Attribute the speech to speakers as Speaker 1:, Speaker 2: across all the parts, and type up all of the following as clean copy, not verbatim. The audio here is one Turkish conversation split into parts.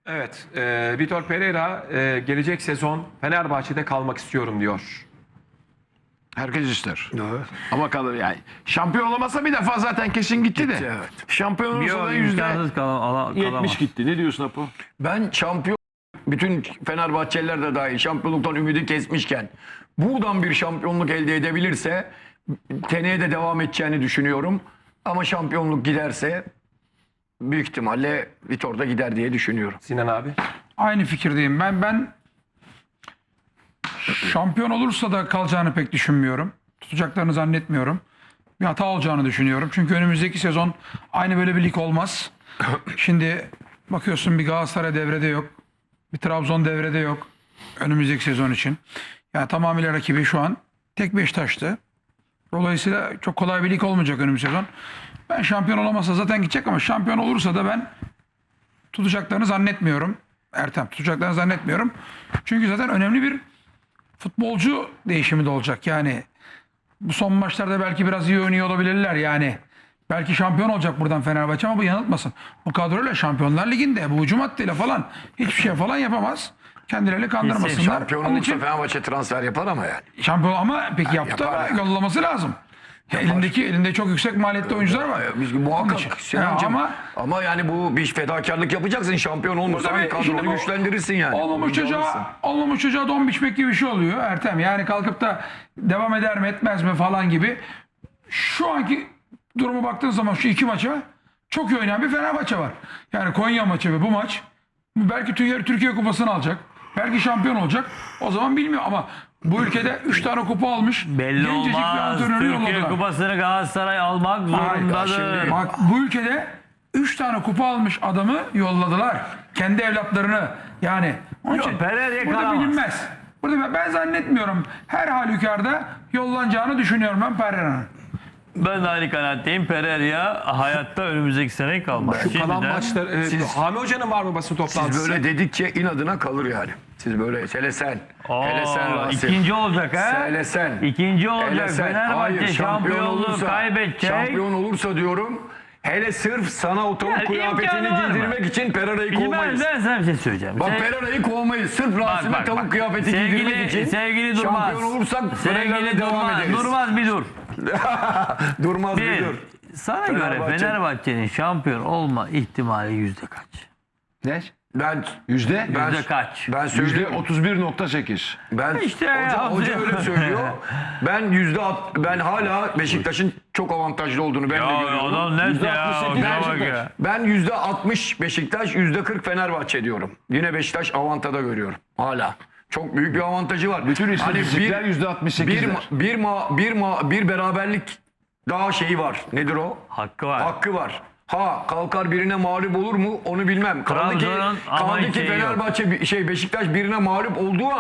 Speaker 1: Evet, Vitor Pereira gelecek sezon Fenerbahçe'de kalmak istiyorum diyor.
Speaker 2: Herkes ister.
Speaker 3: Evet.
Speaker 2: Ama kalır yani. Şampiyon olamasa bir defa zaten kesin gitti de.
Speaker 3: evet.
Speaker 2: Şampiyon olursa da
Speaker 4: İmkansız
Speaker 2: %70 gitti. Ne diyorsun Apo?
Speaker 3: Ben şampiyon, bütün Fenerbahçeliler de dahil şampiyonluktan ümidi kesmişken buradan bir şampiyonluk elde edebilirse seneye de devam edeceğini düşünüyorum. Ama şampiyonluk giderse büyük ihtimalle Vitor da gider diye düşünüyorum.
Speaker 1: Sinan abi.
Speaker 5: Aynı fikirdeyim. Ben şampiyon olursa da kalacağını pek düşünmüyorum. Tutacaklarını zannetmiyorum. Bir hata olacağını düşünüyorum. Çünkü önümüzdeki sezon aynı böyle bir lig olmaz. Şimdi bakıyorsun bir Galatasaray devrede yok. Bir Trabzon devrede yok. Önümüzdeki sezon için. Yani tamamıyla rakibi şu an tek Beşiktaş'tı. Dolayısıyla çok kolay bir lig olmayacak önümüzdeki sezon. Ben şampiyon olamazsa zaten gidecek ama şampiyon olursa da ben tutacaklarını zannetmiyorum. Ertem tutacaklarını zannetmiyorum. Çünkü zaten önemli bir futbolcu değişimi de olacak. Yani bu son maçlarda belki biraz iyi oynuyor olabilirler yani. Belki şampiyon olacak buradan Fenerbahçe ama bu yanıltmasın. Bu kadroyla Şampiyonlar Ligi'nde bu hücum hattıyla falan hiçbir şey falan yapamaz. Kendilerini kandırmasınlar.
Speaker 3: Şampiyon
Speaker 5: Onun
Speaker 3: olursa
Speaker 5: için
Speaker 3: Fenerbahçe transfer yapar ama yani.
Speaker 5: şampiyon ama peki yaptı
Speaker 3: yapar
Speaker 5: ama
Speaker 3: yani.
Speaker 5: yollaması lazım. Ya elinde çok yüksek maliyetli oyuncular var.
Speaker 3: Biz
Speaker 5: Onun
Speaker 3: muhakkak
Speaker 5: için.
Speaker 3: Sinancığım,
Speaker 5: Ya
Speaker 3: ama yani bu bir fedakarlık yapacaksın, şampiyon olmuşsan
Speaker 5: Tabii, şimdi
Speaker 3: kadronu
Speaker 5: bu
Speaker 3: güçlendirirsin yani.
Speaker 5: olmamış çocuğa don biçmek gibi bir şey oluyor Ertem. Yani kalkıp da devam eder mi etmez mi falan gibi. Şu anki durumu baktığın zaman şu iki maça çok iyi oynayan bir Fenerbahçe var. Yani Konya maçı ve bu maç belki Türkiye Kupası'nı alacak. Belki şampiyon olacak. O zaman bilmiyor ama bu ülkede 3 tane kupa almış.
Speaker 4: Belli
Speaker 5: gencecik bir
Speaker 4: olmaz.
Speaker 5: antrenörü
Speaker 4: Türkiye
Speaker 5: yolladılar.
Speaker 4: Kupası'nı Galatasaray almak zorundadır.
Speaker 3: şimdi
Speaker 5: Bak bu ülkede 3 tane kupa almış adamı yolladılar. Kendi evlatlarını yani. Onun
Speaker 4: Yok,
Speaker 5: için
Speaker 4: Pereira'ya
Speaker 5: burada
Speaker 4: kalamaz.
Speaker 5: bilinmez. Burada ben zannetmiyorum. Her halükarda yollanacağını düşünüyorum ben Pereira'nın.
Speaker 4: Ben de aynı kanaatteyim. Pereira hayatta önümüzdeki sene kalmaz.
Speaker 1: Şu kalan
Speaker 4: Şimdiden-
Speaker 1: maçlar, Hami Hoca'nın var mı basın toplantısı?
Speaker 3: Siz böyle dedikçe inadına kalır yani. Siz böyle hele sen. Hele sen Rasim.
Speaker 4: İkinci olacak ha?
Speaker 3: Hele sen.
Speaker 4: İkinci
Speaker 3: Hele
Speaker 4: olacak.
Speaker 3: sen.
Speaker 4: Fenerbahçe
Speaker 3: Hayır,
Speaker 4: şampiyonluğu kaybedecek.
Speaker 3: Şampiyon olursa diyorum. Hele sırf sana o tavuk
Speaker 4: Ya,
Speaker 3: kıyafetini
Speaker 4: imkanı var mı?
Speaker 3: giydirmek için Pereira'yı
Speaker 4: Şimdi
Speaker 3: kovmayız.
Speaker 4: ben sana bir şey söyleyeceğim.
Speaker 3: Bak Pereira'yı kovmayız. Sırf Rasim'e tavuk kıyafeti giydirmek için.
Speaker 4: Sevgili Durmaz.
Speaker 3: Şampiyon olursak Pereira'yla
Speaker 4: Sevgili
Speaker 3: devam
Speaker 4: Durmaz.
Speaker 3: ederiz.
Speaker 4: Durmaz bir dur.
Speaker 3: Durmaz bir dur.
Speaker 4: Sana göre Fenerbahçe'nin şampiyon olma ihtimali yüzde kaç?
Speaker 2: Ne?
Speaker 3: Ben
Speaker 2: Yüzde?
Speaker 4: Yüzde kaç?
Speaker 3: ben
Speaker 2: Yüzde
Speaker 3: söylüyorum.
Speaker 2: 31.8.
Speaker 3: Ben
Speaker 4: İşte
Speaker 3: hoca öyle söylüyor. Ben hala Beşiktaş'ın çok avantajlı olduğunu ben de
Speaker 4: Ya
Speaker 3: görüyorum.
Speaker 4: adam net ya. Ona bak ya.
Speaker 3: Ben %60 Beşiktaş, %40 Fenerbahçe diyorum. Yine Beşiktaş avantada görüyorum. Hala. Çok büyük bir avantajı var.
Speaker 2: Bütün istatistikler %68'ler.
Speaker 3: Bir beraberlik daha şeyi var. Nedir o?
Speaker 4: Hakkı var.
Speaker 3: Hakkı var. Ha kalkar birine mağlup olur mu onu bilmem.
Speaker 4: Trabzon'un ama
Speaker 3: Kaldı ki
Speaker 4: şeyi yok.
Speaker 3: Fenerbahçe Beşiktaş birine mağlup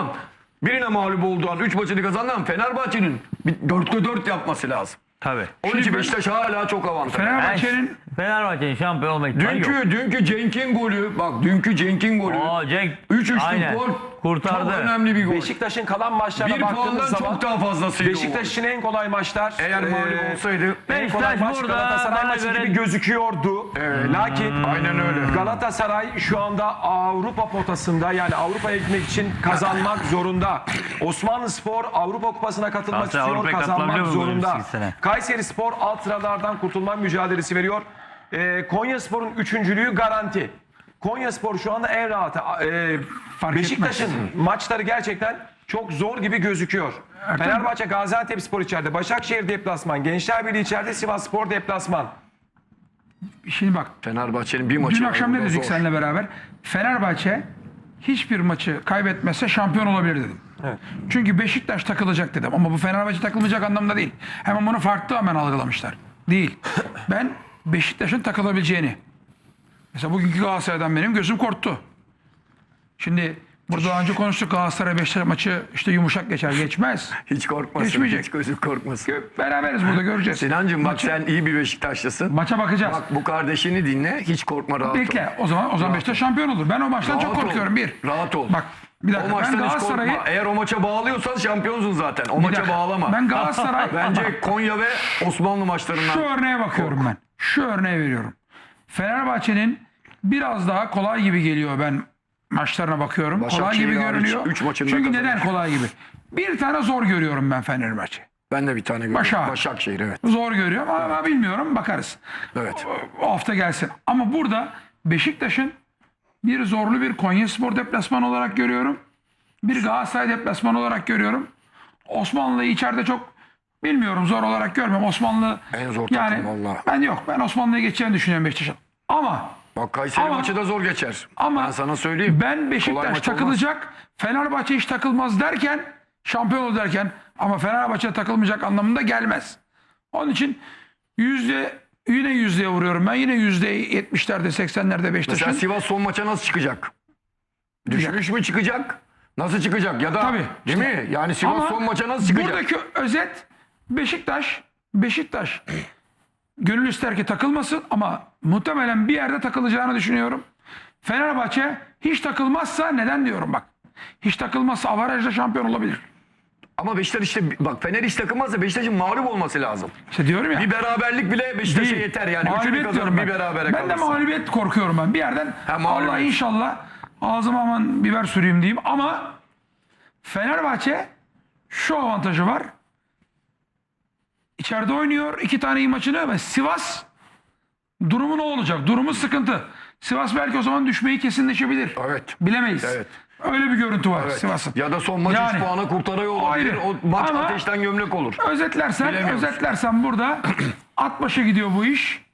Speaker 3: olduğu an 3 maçını kazandı Fenerbahçe'nin 4'te 4 yapması lazım.
Speaker 4: Tabii.
Speaker 3: Onun için Beşiktaş hala çok avantajlı.
Speaker 5: Fenerbahçe'nin
Speaker 4: şampiyon olma ihtimali yok.
Speaker 3: Dünkü Cenk'in golü bak
Speaker 4: Cenk
Speaker 3: 3-3'lük
Speaker 4: aynen.
Speaker 3: gol
Speaker 4: Kurtardı.
Speaker 3: çok önemli bir gol.
Speaker 1: Beşiktaş'ın kalan maçlarına
Speaker 3: Bir
Speaker 1: baktığımız
Speaker 3: puandan
Speaker 1: zaman
Speaker 3: çok daha fazlasıydı
Speaker 1: Beşiktaş için en kolay maçlar.
Speaker 3: Eğer mağlup olsaydı.
Speaker 1: En kolay
Speaker 4: Beşiktaş
Speaker 1: maç
Speaker 4: burada
Speaker 1: Galatasaray
Speaker 4: bana
Speaker 1: maçı
Speaker 4: göre-
Speaker 1: gibi gözüküyordu. Lakin
Speaker 3: Aynen öyle.
Speaker 1: Galatasaray şu anda Avrupa potasında, yani Avrupa'ya gitmek için kazanmak zorunda. Osmanlıspor Avrupa Kupası'na katılmak
Speaker 4: Galatasaray
Speaker 1: istiyor,
Speaker 4: Avrupa'ya
Speaker 1: kazanmak
Speaker 4: katılabiliyor mu
Speaker 1: zorunda.
Speaker 4: önümüzdeki sene?
Speaker 1: Kayserispor alt sıralardan kurtulma mücadelesi veriyor. Konyaspor'un üçüncülüğü garanti. Konyaspor şu anda en rahatı. Beşiktaş'ın maçları gerçekten çok zor gibi gözüküyor. Fenerbahçe Gaziantepspor içeride, Başakşehir deplasman, Gençlerbirliği içeride, Sivasspor deplasman.
Speaker 5: Şimdi bak
Speaker 3: Fenerbahçe'nin bir maçı
Speaker 5: dün
Speaker 3: var,
Speaker 5: akşam ne
Speaker 3: o da
Speaker 5: dedik
Speaker 3: zor.
Speaker 5: seninle beraber? Fenerbahçe hiçbir maçı kaybetmezse şampiyon olabilir dedim.
Speaker 1: Evet.
Speaker 5: Çünkü Beşiktaş takılacak dedim ama bu Fenerbahçe takılmayacak anlamda değil. Hemen bunu farklı hemen algılamışlar. Değil. Ben Beşiktaş'ın takılabileceğini. Mesela bugünkü Galatasaray'dan benim gözüm korktu. Şimdi burada daha önce konuştuk, Galatasaray Beşiktaş maçı işte yumuşak geçer, geçmez.
Speaker 3: Hiç korkmasın.
Speaker 5: Geçmeyecek.
Speaker 3: Hiç gözüm korkmasın.
Speaker 5: Beraberiz burada, göreceğiz.
Speaker 3: Sinancığım bak
Speaker 5: Maçı-
Speaker 3: sen iyi bir Beşiktaşlısın.
Speaker 5: Maça bakacağız.
Speaker 3: Bak bu kardeşini dinle. Hiç korkma, rahat ol.
Speaker 5: Bekle. O zaman Beşiktaş şampiyon olur. Ben o maçtan çok
Speaker 3: Rahat ol.
Speaker 5: korkuyorum. Bir.
Speaker 3: Rahat ol.
Speaker 5: Bak bir dakika.
Speaker 3: O
Speaker 5: Ben
Speaker 3: maçtan hiç
Speaker 5: Galatasaray'ı
Speaker 3: korkma. Eğer o maça bağlıyorsan şampiyonsun zaten. O
Speaker 5: Bir
Speaker 3: maça
Speaker 5: dakika.
Speaker 3: bağlama.
Speaker 5: Ben Galatasaray
Speaker 3: Bence Konya ve Osmanlı maçlarından.
Speaker 5: şu örneğe bakıyorum ben. Şu örneği veriyorum. Fenerbahçe'nin biraz daha kolay gibi geliyor ben maçlarına bakıyorum. Kolay
Speaker 3: Başakşehir
Speaker 5: gibi
Speaker 3: hariç
Speaker 5: görünüyor.
Speaker 3: üç maçında
Speaker 5: Çünkü
Speaker 3: kazanmış.
Speaker 5: neden kolay gibi? Bir tane zor görüyorum ben Fenerbahçe.
Speaker 3: Ben de bir tane görüyorum.
Speaker 5: Başak.
Speaker 3: Başakşehir evet.
Speaker 5: Zor görüyorum ama bilmiyorum, bakarız.
Speaker 3: Evet.
Speaker 5: O hafta gelsin. Ama burada Beşiktaş'ın bir zorlu bir Konyaspor deplasmanı olarak görüyorum. Bir Galatasaray deplasmanı olarak görüyorum. Osmanlı'yı içeride çok bilmiyorum, zor olarak görmüyorum. Osmanlı
Speaker 3: En zor
Speaker 5: yani
Speaker 3: takım valla.
Speaker 5: ben Osmanlı'yı geçeceğini düşünüyorum Beşiktaş'ın. Ama
Speaker 3: Bak Kayseri
Speaker 5: Ama-
Speaker 3: maçı da zor geçer.
Speaker 5: ama
Speaker 3: Ben sana söyleyeyim.
Speaker 5: ben
Speaker 3: Kolay
Speaker 5: Beşiktaş
Speaker 3: maç
Speaker 5: takılacak, Fenerbahçe hiç takılmaz derken, şampiyon olur derken, ama Fenerbahçe takılmayacak anlamında gelmez. Onun için yine yüzdeye vuruyorum ben. Yine %70'lerde 80'lerde
Speaker 3: Mesela
Speaker 5: Beşiktaş'ın.
Speaker 3: Sivas son maça nasıl çıkacak? Düşmüş mü çıkacak? Nasıl çıkacak? Ya da
Speaker 5: Tabii.
Speaker 3: değil mi? Yani Sivas
Speaker 5: Ama
Speaker 3: son maça nasıl çıkacak?
Speaker 5: buradaki özet Beşiktaş gönül ister ki takılmasın ama muhtemelen bir yerde takılacağını düşünüyorum. Fenerbahçe hiç takılmazsa, neden diyorum bak. Hiç takılmazsa avarajla şampiyon olabilir.
Speaker 3: Ama Beşiktaş işte bak Fener hiç takılmazsa Beşiktaş'ın mağlup olması lazım.
Speaker 5: İşte diyorum ya.
Speaker 3: Bir beraberlik bile Beşiktaş'a
Speaker 5: Değil.
Speaker 3: yeter yani. Üçünü
Speaker 5: Mağlubiyet
Speaker 3: kazanıp
Speaker 5: diyorum
Speaker 3: bir
Speaker 5: ben.
Speaker 3: berabere
Speaker 5: Ben de
Speaker 3: kalırsa.
Speaker 5: mağlubiyet korkuyorum ben. Bir yerden
Speaker 3: mağlubiyet.
Speaker 5: Allah inşallah ağzıma aman biber süreyim diyeyim ama Fenerbahçe şu avantajı var. İçeride oynuyor 2 tane iyi maçını ve Sivas durumu ne olacak? Durumu sıkıntı. Sivas belki o zaman düşmeyi kesinleşebilir.
Speaker 3: Evet.
Speaker 5: Bilemeyiz.
Speaker 3: Evet.
Speaker 5: Öyle bir görüntü var
Speaker 3: Evet.
Speaker 5: Sivas'ın.
Speaker 3: Ya da son maç 3
Speaker 5: Yani,
Speaker 3: puana kurtarıyor olabilir.
Speaker 5: ayrı.
Speaker 3: O maç
Speaker 5: Ama
Speaker 3: ateşten gömlek olur.
Speaker 5: Özetlersen burada at başı gidiyor bu iş.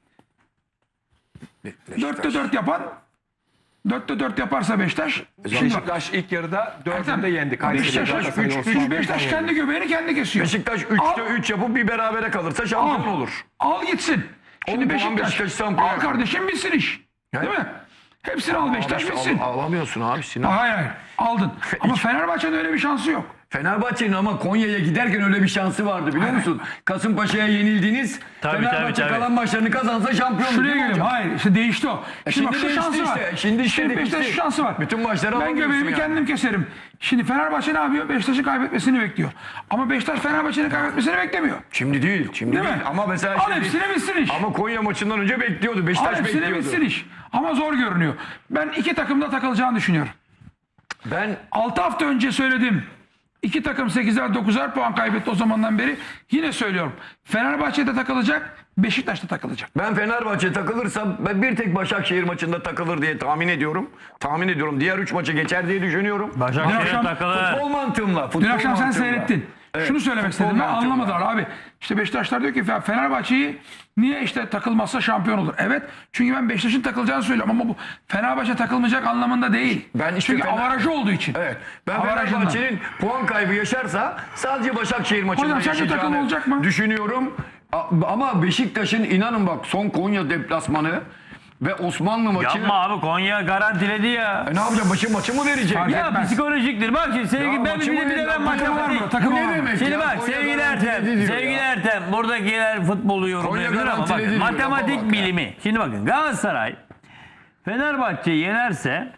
Speaker 5: 4'te 4 yapan 4'te 4 yaparsa Beşiktaş. Şimdi bak,
Speaker 1: Beşiktaş ilk yarıda 4'ünde yendi. Kayseri'yi,
Speaker 5: Beşiktaş
Speaker 1: Galatasaray'ı, Osmanlı'yı.
Speaker 5: Beşiktaş kendi göbeğini kendi kesiyor.
Speaker 3: Beşiktaş 3'te 3 yapıp bir berabere kalırsa şampiyon olur.
Speaker 5: Al gitsin. Şimdi
Speaker 3: 10 puan
Speaker 5: Beşiktaş
Speaker 3: Beşiktaş şampiyon
Speaker 5: al
Speaker 3: yapar.
Speaker 5: kardeşim, bitsin iş. Değil mi? Hepsini al, Beşiktaş bitsin.
Speaker 3: Alamıyorsun abi Sinan.
Speaker 5: Hayır aldın. Ama Fenerbahçe'nin öyle bir şansı yok.
Speaker 3: Fenerbahçe'nin ama Konya'ya giderken öyle bir şansı vardı biliyor musun? Kasımpaşa'ya yenildiniz.
Speaker 4: Tabii,
Speaker 3: Fenerbahçe
Speaker 4: tabii.
Speaker 3: kalan maçlarını kazansa şampiyon
Speaker 5: Şuraya
Speaker 3: değil mi
Speaker 5: gelelim.
Speaker 3: hocam?
Speaker 5: Hayır işte değişti o. Şimdi bak şu
Speaker 3: değişti
Speaker 5: şansı var.
Speaker 3: işte. Şimdi
Speaker 5: Beşiktaş'ın
Speaker 3: değişti.
Speaker 5: şu şansı var.
Speaker 3: Bütün maçları
Speaker 5: Ben
Speaker 3: alamıyorsun
Speaker 5: göbeğimi
Speaker 3: yani.
Speaker 5: kendim keserim. Şimdi Fenerbahçe ne yapıyor? Beşiktaş'ın kaybetmesini bekliyor. Ama Beşiktaş Fenerbahçe'nin kaybetmesini beklemiyor.
Speaker 3: Şimdi değil. Şimdi
Speaker 5: Değil
Speaker 3: değil.
Speaker 5: mi?
Speaker 3: Ama mesela
Speaker 5: Al
Speaker 3: şimdi,
Speaker 5: hepsini bitsin iş.
Speaker 3: ama Konya maçından önce bekliyordu.
Speaker 5: Al
Speaker 3: Beşiktaş
Speaker 5: hepsini
Speaker 3: bekliyordu.
Speaker 5: bitsin iş. Ama zor görünüyor. Ben iki takımda takılacağını düşünüyorum.
Speaker 3: Ben
Speaker 5: 6 hafta önce söyledim. İki takım 8'er 9'er puan kaybetti o zamandan beri. Yine söylüyorum. Fenerbahçe'de takılacak, Beşiktaş'ta takılacak.
Speaker 3: Fenerbahçe takılırsa ben bir tek Başakşehir maçında takılır diye tahmin ediyorum. Tahmin ediyorum. Diğer 3 maçı geçer diye düşünüyorum.
Speaker 5: Dün
Speaker 4: Başakşehir
Speaker 5: akşam-
Speaker 4: takılı.
Speaker 3: Futbol mantığımla. Futbol
Speaker 5: Dün akşam sen
Speaker 3: mantığımla.
Speaker 5: seyrettin.
Speaker 3: Evet,
Speaker 5: Şunu söylemek
Speaker 3: futbol
Speaker 5: istedim. Ben
Speaker 3: mantığıyla.
Speaker 5: anlamadılar abi. İşte Beşiktaşlar diyor ki Fenerbahçe'yi niye işte takılmazsa şampiyon olur. Evet. Çünkü ben Beşiktaş'ın takılacağını söylüyorum ama bu Fenerbahçe takılmayacak anlamında değil.
Speaker 3: Ben işte
Speaker 5: Çünkü avarajı olduğu için.
Speaker 3: Evet. Ben
Speaker 5: Avarajından.
Speaker 3: Fenerbahçe'nin puan kaybı yaşarsa sadece Başakşehir maçında
Speaker 5: Hocam sence takım
Speaker 3: yaşayacağını
Speaker 5: olacak mı?
Speaker 3: düşünüyorum. Ama Beşiktaş'ın inanın bak son Konya deplasmanı ve Osmanlı maçı.
Speaker 4: Yapma abi, Konya garantiledi ya.
Speaker 3: Ne yapacak? Maçı mı verecek?
Speaker 5: Fark
Speaker 4: Ya
Speaker 5: etmez.
Speaker 4: psikolojiktir. Bak şimdi sevgili
Speaker 3: Ya
Speaker 4: ben
Speaker 3: maçı
Speaker 4: bir
Speaker 3: mı
Speaker 4: de
Speaker 3: verir?
Speaker 4: ben
Speaker 3: Takımı var
Speaker 4: matematik.
Speaker 3: mı?
Speaker 5: Takımı
Speaker 3: Bu ne
Speaker 5: var mı?
Speaker 3: demek
Speaker 4: Şimdi
Speaker 3: ya?
Speaker 4: bak
Speaker 3: Konya
Speaker 4: sevgili
Speaker 3: garantiledi
Speaker 4: Ertem,
Speaker 3: diyor
Speaker 4: sevgili
Speaker 3: ya.
Speaker 4: Ertem buradakiler futbolu yorumlayabilir ama bak
Speaker 3: garantiledi diyor,
Speaker 4: matematik
Speaker 3: lafa bak ya.
Speaker 4: bilimi. Şimdi bakın Galatasaray Fenerbahçe'yi yenerse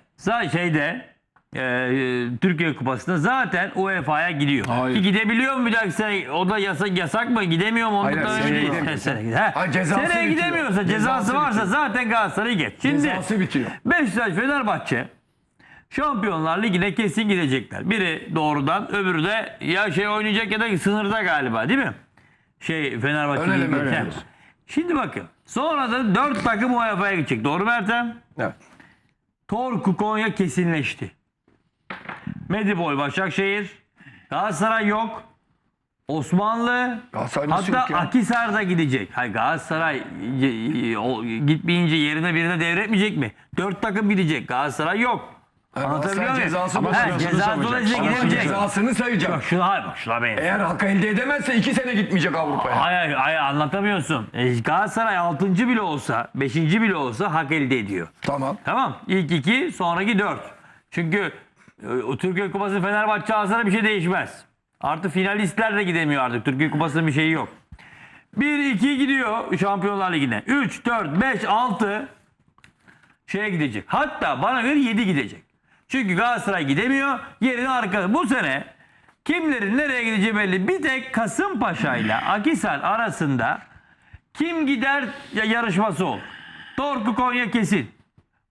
Speaker 4: Türkiye Kupası'nda zaten UEFA'ya gidiyor.
Speaker 3: Hayır.
Speaker 4: Ki gidebiliyor mu bir dahaki sene? O da yasak mı? Gidemiyor mu?
Speaker 3: Hayır,
Speaker 4: Ondan
Speaker 3: seneye
Speaker 4: öyle değil.
Speaker 3: gidemiyor.
Speaker 4: Seneye
Speaker 3: Cezası
Speaker 4: seneye
Speaker 3: bitiyor.
Speaker 4: gidemiyorsa,
Speaker 3: Cezası
Speaker 4: cezası varsa
Speaker 3: bitiyor.
Speaker 4: zaten Galatasaray'ı geç. Şimdi
Speaker 3: Cezası bitiyor.
Speaker 4: Beşiktaş, Fenerbahçe Şampiyonlar Ligi'ne kesin gidecekler. Biri doğrudan, öbürü de ya oynayacak ya da sınırda galiba, değil mi? Fenerbahçe
Speaker 3: Ön eleme
Speaker 4: Ligi'nde.
Speaker 3: oynuyoruz.
Speaker 4: Şimdi bakın. Sonra da 4 takım UEFA'ya gidecek. Doğru mu Ertem?
Speaker 1: Evet.
Speaker 4: Torku Konya kesinleşti. Medipol Başakşehir. Galatasaray yok. Osmanlı.
Speaker 3: Galatasaray nasıl yok
Speaker 4: Hatta
Speaker 3: ya?
Speaker 4: Akhisar'da gidecek. Hayır, Galatasaray gitmeyince yerine birine devretmeyecek mi? 4 takım gidecek. Galatasaray yok. Anlatabiliyor
Speaker 3: Galatasaray
Speaker 4: muyum?
Speaker 3: cezası
Speaker 4: Ama
Speaker 3: basıyorsun,
Speaker 4: ceza
Speaker 3: savacak.
Speaker 4: dolayısıyla
Speaker 3: Ama
Speaker 4: gidemeyecek.
Speaker 3: Cezasını sayacak.
Speaker 4: Bak şuna benziyor.
Speaker 3: Eğer hak elde edemezse 2 sene gitmeyecek Avrupa'ya.
Speaker 4: Hayır, anlatamıyorsun. Galatasaray 6. bile olsa, 5. bile olsa hak elde ediyor.
Speaker 3: Tamam.
Speaker 4: Tamam. İlk 2, sonraki 4. Çünkü o Türkiye Kupası Fenerbahçe alsana bir şey değişmez. Artı finalistler de gidemiyor artık. Türkiye Kupası'nın bir şeyi yok. 1-2 gidiyor Şampiyonlar Ligi'ne. 3, 4, 5, 6 gidecek. Hatta bana göre 7 gidecek. Çünkü Galatasaray gidemiyor. Yerine arkada. Bu sene kimlerin nereye gideceği belli. Bir tek Kasımpaşa ile Akhisar arasında kim gider yarışması ol. Torku Konya kesin.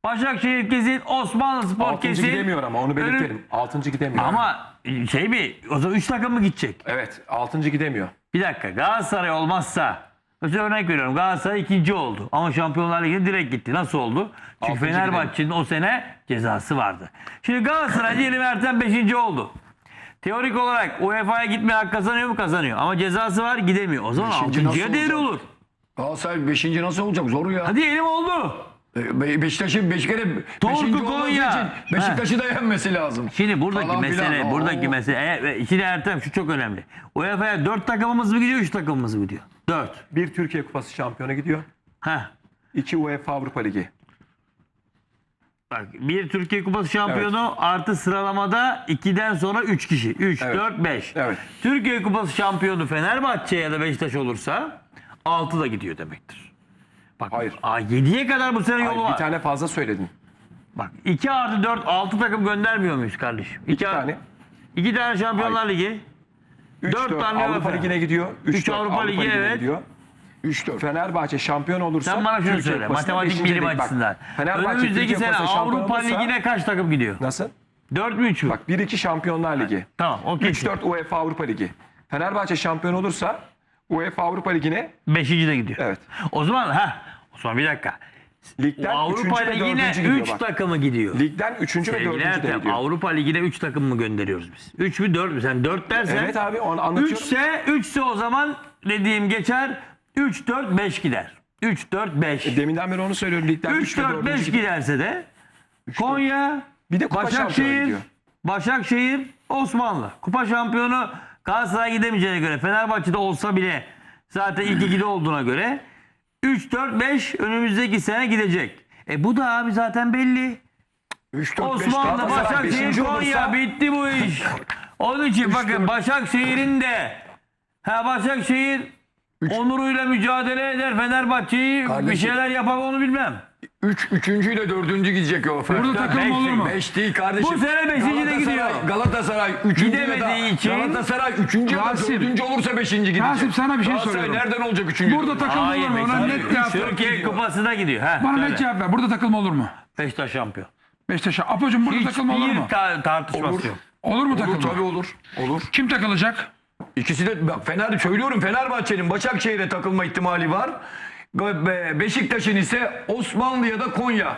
Speaker 4: Başakşehir kesin, Osmanlıspor
Speaker 1: 6.
Speaker 4: kesin.
Speaker 1: gidemiyor ama onu belirtelim. 6. gidemiyor.
Speaker 4: Ama şey mi? O zaman 3 takım mı gidecek?
Speaker 1: Evet 6. gidemiyor.
Speaker 4: Bir dakika, Galatasaray olmazsa, mesela örnek veriyorum, Galatasaray 2. oldu ama Şampiyonlar Ligi'ne direkt gitti. Nasıl oldu? Çünkü
Speaker 1: 6.
Speaker 4: Fenerbahçe'nin o sene cezası vardı. Şimdi Galatasaray diyelim Ertem 5. oldu. Teorik olarak UEFA'ya gitmeye hak kazanıyor mu? Kazanıyor. Ama cezası var, gidemiyor. O zaman
Speaker 3: 5. nasıl
Speaker 4: 6.ya değeri
Speaker 3: olacak?
Speaker 4: olur.
Speaker 3: Galatasaray 5. nasıl olacak? Zor ya.
Speaker 4: Hadi diyelim oldu.
Speaker 3: Beşiktaş'ın 5 kere 5.
Speaker 4: Torku
Speaker 3: olması
Speaker 4: Konya.
Speaker 3: için Beşiktaş'ı da yenmesi lazım.
Speaker 4: Şimdi buradaki
Speaker 3: Falan
Speaker 4: mesele,
Speaker 3: filan.
Speaker 4: buradaki
Speaker 3: Oo.
Speaker 4: mesele. Şimdi Ertem şu çok önemli. UEFA'ya 4 takımımız mı gidiyor, 3 takımımız mı gidiyor? 4.
Speaker 1: Bir Türkiye Kupası şampiyonu gidiyor.
Speaker 4: Heh.
Speaker 1: 2 UEFA Avrupa Ligi.
Speaker 4: Bak, bir Türkiye Kupası şampiyonu artı sıralamada 2'den sonra 3 kişi. 3,
Speaker 1: Evet.
Speaker 4: 4, 5.
Speaker 1: Evet.
Speaker 4: Türkiye Kupası şampiyonu Fenerbahçe ya da Beşiktaş olursa 6 da gidiyor demektir. Bak,
Speaker 1: Hayır.
Speaker 4: 7'ye kadar bu sene
Speaker 1: Hayır,
Speaker 4: yolu var.
Speaker 1: bir tane fazla söyledin.
Speaker 4: Bak 2 artı 4, 6 takım göndermiyor muyuz kardeşim?
Speaker 1: 2 tane.
Speaker 4: 2 tane Şampiyonlar Ligi.
Speaker 1: 3
Speaker 4: 4
Speaker 1: 4
Speaker 4: tane
Speaker 1: Avrupa
Speaker 4: UEFA.
Speaker 1: Ligi'ne gidiyor.
Speaker 4: 3 Avrupa Ligi, evet.
Speaker 1: gidiyor.
Speaker 3: 3-4.
Speaker 1: Fenerbahçe şampiyon olursa
Speaker 4: Sen bana şunu
Speaker 1: Türkiye
Speaker 4: söyle.
Speaker 1: Kupası'na
Speaker 4: Matematik
Speaker 1: beşinci
Speaker 4: bilim
Speaker 1: lig. Bak,
Speaker 4: açısından.
Speaker 1: Fenerbahçe
Speaker 4: Önümüzdeki
Speaker 1: Türkiye
Speaker 4: sene
Speaker 1: Kupası şampiyon
Speaker 4: Avrupa
Speaker 1: olursa
Speaker 4: Ligi'ne kaç takım gidiyor?
Speaker 1: nasıl?
Speaker 4: 4 mü 3 mü?
Speaker 1: Bak 1-2 Şampiyonlar Ligi.
Speaker 4: Tamam, o kesin.
Speaker 1: 3-4 UEFA Avrupa Ligi. Fenerbahçe şampiyon olursa UEFA Avrupa Ligi'ne
Speaker 4: 5. de gidiyor.
Speaker 1: evet.
Speaker 4: O zaman bir dakika.
Speaker 1: Ligden
Speaker 4: Avrupa
Speaker 1: 3. ve 4.
Speaker 4: Ligi'ne
Speaker 1: gidiyor
Speaker 4: 3
Speaker 1: bak.
Speaker 4: takımı gidiyor.
Speaker 1: Ligden 3. ve 4.
Speaker 4: Sevgili
Speaker 1: de
Speaker 4: Ertem,
Speaker 1: gidiyor.
Speaker 4: Avrupa Ligi'ne 3 takım mı gönderiyoruz biz? 3 mü 4 mü? Sen 4 dersen.
Speaker 1: Evet abi onu anlatıyorum.
Speaker 4: 3'se o zaman dediğim geçer. 3, 4, 5 gider. 3, 4, 5.
Speaker 1: Deminden beri onu söylüyorum. Ligden
Speaker 4: 3, 4, 5 giderse de Konya,
Speaker 1: Bir de kupa şampiyonu
Speaker 4: Başakşehir,
Speaker 1: gidiyor.
Speaker 4: Başakşehir, Osmanlı. Kupa şampiyonu Galatasaray gidemeyeceğine göre, Fenerbahçe'de olsa bile zaten ilk 2'de olduğuna göre 3, 4, 5 önümüzdeki sene gidecek. Bu da abi zaten belli.
Speaker 3: 3-4-5
Speaker 4: Osmanlı,
Speaker 1: Galatasaray
Speaker 4: Başakşehir,
Speaker 1: beşinci
Speaker 4: Konya
Speaker 1: olursa-
Speaker 4: bitti bu iş. Onun için bakın Başakşehir'in de Başakşehir onuruyla mücadele eder. Fenerbahçe'yi bir
Speaker 3: Kardeşim.
Speaker 4: şeyler yapar onu bilmem.
Speaker 3: 3. ile 4. gidecek o.
Speaker 5: Burada takılma olur mu?
Speaker 3: 5 değil kardeşim.
Speaker 4: Bu sene beşinci de gidiyor.
Speaker 3: Galatasaray 3.
Speaker 4: Gidemediği için-
Speaker 3: Galatasaray 3. ya da
Speaker 5: Rasim.
Speaker 3: 4. olursa 5. gidecek.
Speaker 5: Rasim, sana bir şey
Speaker 3: Galatasaray
Speaker 5: soruyorum.
Speaker 3: nereden olacak 3.
Speaker 5: Burada takılma olur mu? Ona net cevap ver.
Speaker 4: Türkiye Kupası'na gidiyor.
Speaker 5: Bana
Speaker 4: Söyle.
Speaker 5: net cevap ver. Burada takılma olur mu?
Speaker 4: Beşiktaş şampiyon.
Speaker 5: Beşiktaş'a. Apocuğum burada takılma olur mu?
Speaker 4: Tartışması yok.
Speaker 5: Olur mu
Speaker 3: Olur
Speaker 5: takılma?
Speaker 3: tabii olur. Olur.
Speaker 5: Kim takılacak?
Speaker 3: İkisi de bak söylüyorum Fenerbahçe'nin Başakşehir'e takılma ihtimali var. Beşiktaş'ın ise Osmanlı ya da Konya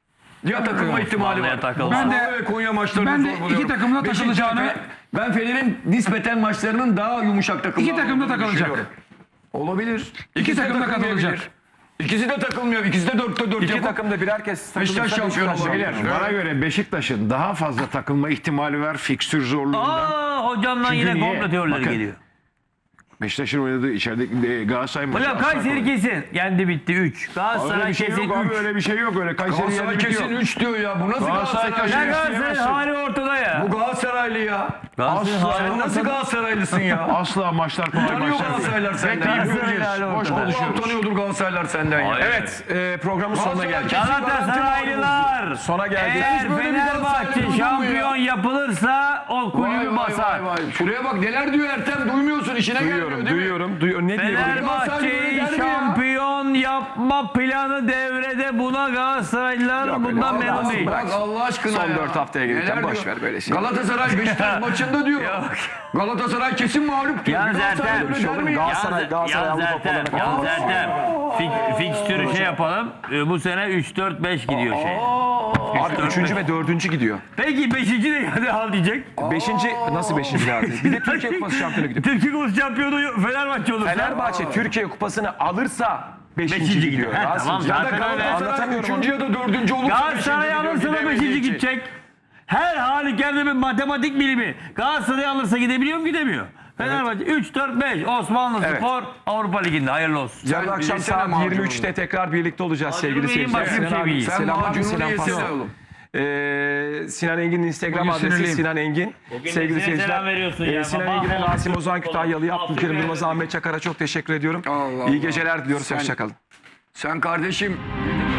Speaker 3: ya takılma ihtimali
Speaker 4: Osmanlı'ya
Speaker 3: var.
Speaker 4: takılma.
Speaker 5: Ben de-
Speaker 3: Osmanlı ve Konya maçlarını
Speaker 5: ben de
Speaker 3: zor buluyorum.
Speaker 5: iki takımla takılacağını-
Speaker 3: Ben Fener'in nispeten maçlarının daha yumuşak takımlar.
Speaker 5: İki takım da
Speaker 3: olduğunu
Speaker 5: takılacak.
Speaker 3: düşünüyorum. Olabilir.
Speaker 5: İki
Speaker 3: de
Speaker 5: takım da
Speaker 3: takılmayabilir.
Speaker 5: katılacak.
Speaker 3: İkisi de takılmıyor. İkisi de 4'te 4
Speaker 1: İki
Speaker 3: yapıp
Speaker 1: takım da birer kez
Speaker 3: Beşiktaş şampiyonu
Speaker 2: Beyler,
Speaker 3: olabilir.
Speaker 2: bana göre Beşiktaş'ın daha fazla takılma ihtimali var fikstür zorluğundan.
Speaker 4: Hocamdan
Speaker 2: Çünkü
Speaker 4: yine
Speaker 2: niye?
Speaker 4: komplo teorileri
Speaker 2: Bakın,
Speaker 4: geliyor.
Speaker 2: Beşiktaş'ın oynadığı içeride Galatasaray maçı.
Speaker 4: Hocam
Speaker 2: asla
Speaker 4: Kayseri
Speaker 2: kolay.
Speaker 4: kesin. Yendi bitti 3.
Speaker 2: Öyle
Speaker 4: Galatasaray
Speaker 2: bir şey
Speaker 4: kesin
Speaker 2: yok abi,
Speaker 4: 3.
Speaker 2: öyle bir şey yok. Öyle Kayseri
Speaker 3: Galatasaray
Speaker 2: yendi
Speaker 3: kesin
Speaker 2: bitiyor.
Speaker 3: 3 diyor ya. Bu nasıl
Speaker 2: Galatasaray
Speaker 3: Galatasaray?
Speaker 4: Ya Galatasaray
Speaker 2: yiyemezsin.
Speaker 4: hali ortada ya.
Speaker 3: Bu Galatasaraylı ya.
Speaker 4: Galatasaray
Speaker 2: Asla.
Speaker 4: hali
Speaker 3: Sen nasıl
Speaker 4: ortada.
Speaker 3: Galatasaraylısın ya?
Speaker 2: Asla maçlar kolay
Speaker 3: Tanıyor
Speaker 2: maçlar değil.
Speaker 3: Galatasaraylar senden.
Speaker 2: Bekleyip
Speaker 4: Galatasaray
Speaker 2: göreceğiz.
Speaker 4: hali
Speaker 2: Boş
Speaker 4: ortada.
Speaker 2: konuşuyoruz.
Speaker 3: Tanıyordur Galatasaraylar senden ya.
Speaker 1: Evet programın sonuna geldik.
Speaker 4: Galatasaraylılar.
Speaker 1: Sona geldik.
Speaker 4: Eğer
Speaker 3: Böyle bir Galatasaray
Speaker 4: Fenerbahçe
Speaker 3: duydun mu
Speaker 4: şampiyon yapılırsa o
Speaker 3: Vay
Speaker 4: kulübü
Speaker 3: vay
Speaker 4: basar.
Speaker 3: vay vay. Şuraya bak neler diyor Ertem duymuyorsun işine gelmiyor değil mi?
Speaker 1: Duyuyorum. Ne diyor?
Speaker 4: Fenerbahçe'yi
Speaker 3: Galatasaray
Speaker 4: şampiyon yapma planı devrede, buna Galatasaraylılar
Speaker 1: Yok,
Speaker 4: bundan
Speaker 1: öyle
Speaker 4: memnun
Speaker 1: olmaz.
Speaker 4: değil.
Speaker 1: Bırak.
Speaker 3: Bak Allah aşkına
Speaker 1: Son
Speaker 3: ya.
Speaker 1: 4 haftaya gelirken
Speaker 3: Neler
Speaker 1: boş
Speaker 3: diyor?
Speaker 1: ver böyle şey.
Speaker 3: Galatasaray Beşiktaş maçında diyor.
Speaker 4: Yok.
Speaker 3: Galatasaray kesin mağlup diyor.
Speaker 4: Yalnız
Speaker 3: Galatasaray
Speaker 4: Ertem,
Speaker 3: öyle der mi ya?
Speaker 1: Galatasaray Avrupa Kupalarına
Speaker 4: Yalnız Ertem. Fikstürü şey yapalım. Bu sene 3-4-5 gidiyor şey.
Speaker 1: Abi 3. ve 4. gidiyor.
Speaker 4: Peki 5. de hadi al diyecek.
Speaker 1: 5. nasıl 5. abi? Bir de Türkiye Kupası şampiyonu gidiyor.
Speaker 4: Türkiye Kupası şampiyonu Fenerbahçe olursa.
Speaker 1: Fenerbahçe Türkiye Kupası'nı alırsa 5.
Speaker 4: Beşinci
Speaker 1: gidiyor.
Speaker 4: gidiyor. He,
Speaker 1: Rasim.
Speaker 4: tamam,
Speaker 3: Ya da
Speaker 4: zaten öyle.
Speaker 3: Galatasaray
Speaker 1: Anlatamıyorum
Speaker 3: 3. ya da 4. olursa
Speaker 4: Galatasaray
Speaker 3: beşinci
Speaker 4: alırsa da
Speaker 3: gidiyor,
Speaker 4: 5.
Speaker 3: gidemediği için.
Speaker 4: gidecek. Her halükarda bir matematik bilimi. Galatasaray alırsa gidebiliyor mu? Gidemiyor. Fenerbahçe 3-4-5 Osmanlı
Speaker 1: Evet.
Speaker 4: Spor Avrupa Ligi'nde hayırlı olsun.
Speaker 1: Yarın akşam
Speaker 3: yesene
Speaker 1: saat
Speaker 3: macununu.
Speaker 1: 23'te tekrar birlikte olacağız
Speaker 4: Macunu
Speaker 1: sevgili
Speaker 4: yiyin,
Speaker 1: seyirciler.
Speaker 4: başka bir şey
Speaker 1: Sinan abi,
Speaker 4: yiyin.
Speaker 3: Sen
Speaker 1: selam abi,
Speaker 3: macununu
Speaker 1: selam
Speaker 3: yesene
Speaker 1: Fatih.
Speaker 3: oğlum.
Speaker 1: Sinan Engin'in Instagram
Speaker 5: Bugün
Speaker 1: adresi
Speaker 5: sinirliyim.
Speaker 1: Sinan Engin. Sevgili
Speaker 4: nesine
Speaker 1: seyirciler.
Speaker 4: selam veriyorsun ya?
Speaker 1: Sinan
Speaker 4: Baba,
Speaker 1: Engin'e,
Speaker 4: baba.
Speaker 1: Rasim Ozan Kütahyalı'ya,
Speaker 4: Baba,
Speaker 1: Abdülkerim
Speaker 4: Baba.
Speaker 1: Durmaz, Ahmet Çakar'a çok teşekkür ediyorum.
Speaker 3: Allah
Speaker 1: İyi
Speaker 3: Allah.
Speaker 1: geceler diliyoruz.
Speaker 3: Sen-
Speaker 1: Hoşçakalın.
Speaker 3: Sen kardeşim